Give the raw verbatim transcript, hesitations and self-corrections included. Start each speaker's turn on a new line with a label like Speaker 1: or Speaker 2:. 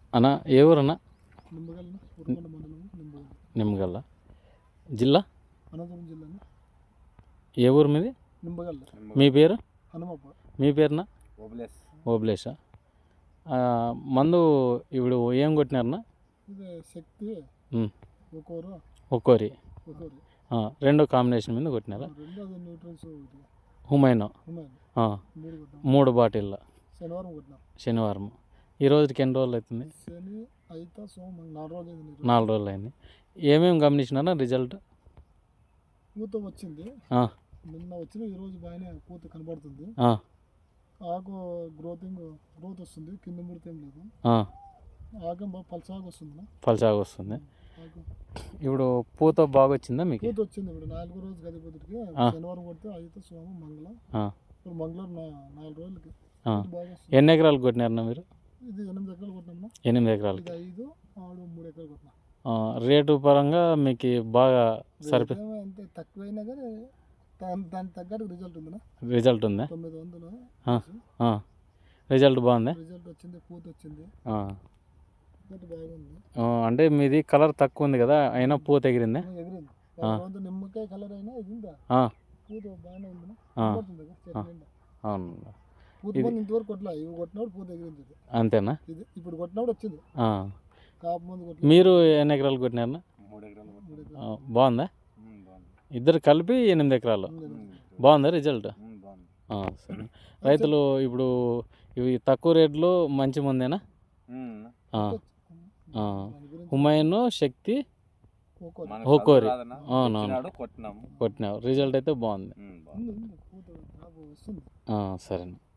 Speaker 1: అన్న ఏ ఊరన్నా?
Speaker 2: నిమ్మగల్ ఉరకొండ మండలం నిమ్మగల్.
Speaker 1: నిమ్మగల్ల జిల్లా
Speaker 2: అనంతపురం జిల్లా
Speaker 1: ఏ ఊరు మీది?
Speaker 2: నిమ్మగల్.
Speaker 1: మీ పేరు?
Speaker 2: హనుమప్ప.
Speaker 1: మీ పేరునా?
Speaker 2: ఓబ్లేస్.
Speaker 1: ఓబ్లేషా? మందు ఇప్పుడు ఏం కొట్టినారన్నా?
Speaker 2: ఇది శక్తి ఒక్కోరు
Speaker 1: ఒక్కోరి
Speaker 2: ఒక్కోరి
Speaker 1: రెండు కాంబినేషన్ మీద కొట్టినారా?
Speaker 2: రెండు అది న్యూట్రల్స్
Speaker 1: హుమైనో మూడు బాటిల్
Speaker 2: శనివారం కొట్టినాం.
Speaker 1: శనివారం. ఈ రోజుకి ఎన్ని రోజులు అవుతుంది?
Speaker 2: శని అయితే సోమ నాలుగు రోజులు అయింది.
Speaker 1: నాలుగు రోజులు అయింది. ఏమేమి గమనించినారా రిజల్ట్?
Speaker 2: పూత వచ్చింది నిన్న వచ్చిన, ఈరోజు బాగానే పూత కనబడుతుంది. ఆకు గ్రోతింగ్ గ్రోత్ వస్తుంది, కింద ముడితే ఏం లేదు. ఆకు బాగా పల్సాగు వస్తుంది.
Speaker 1: పల్సాగు వస్తుంది. ఇప్పుడు పూత బాగా వచ్చిందా మీకు?
Speaker 2: పూత వచ్చింది. ఇప్పుడు నాలుగో రోజు గదిపోతుడికి శనివారం కొడితే అయితే సోమ మంగళ ఇప్పుడు మంగళవారం నాలుగు రోజులకి
Speaker 1: ఎన్ని ఎకరాలు కొట్టినారన్నా మీరు?
Speaker 2: ఇది ఎనిమిది ఎకరాలు కొట్టినా.
Speaker 1: ఎనిమిది ఎకరాలు
Speaker 2: ఐదు ఆరు మూడు ఎకరాలు కొట్టినా.
Speaker 1: రేటు పరంగా మీకు బాగా సరిపో
Speaker 2: అంతే తక్కువైనా కానీ దానికి తగ్గట్టు రిజల్ట్ ఉందా?
Speaker 1: రిజల్ట్ ఉందా?
Speaker 2: తొమ్మిది వందలు
Speaker 1: రిజల్ట్ బాగుంది.
Speaker 2: రిజల్ట్ వచ్చింది, పూత వచ్చింది, బాగుంది.
Speaker 1: అంటే మీది కలర్ తక్కువ ఉంది కదా, అయినా పూత ఎగిరిందా?
Speaker 2: ఎగిరింది. నిమ్మకాయ కలర్ అయినా ఎగిరిందా? పూత బాగానే ఉంది.
Speaker 1: అవును.
Speaker 2: పూత ఇంతవరకు కొట్టలే, ఇవి కొట్టినప్పుడు పూత ఎగిరింది.
Speaker 1: అంతేనా?
Speaker 2: ఇది ఇప్పుడు కొట్టినప్పుడు వచ్చింది. కాపు మందు.
Speaker 1: మీరు ఎన్ని ఎకరాలు కొట్టినారన్నా? బాగుందా? ఇద్దరు కలిపి ఎనిమిది ఎకరాలు. బాగుందా రిజల్ట్? సరే. రైతులు ఇప్పుడు ఇవి తక్కువ రేట్లో మంచి ముందేనా? హుమైనో శక్తి ఒక్కోరి అవునవును కొట్టినావు. రిజల్ట్ అయితే బాగుంది. సరే.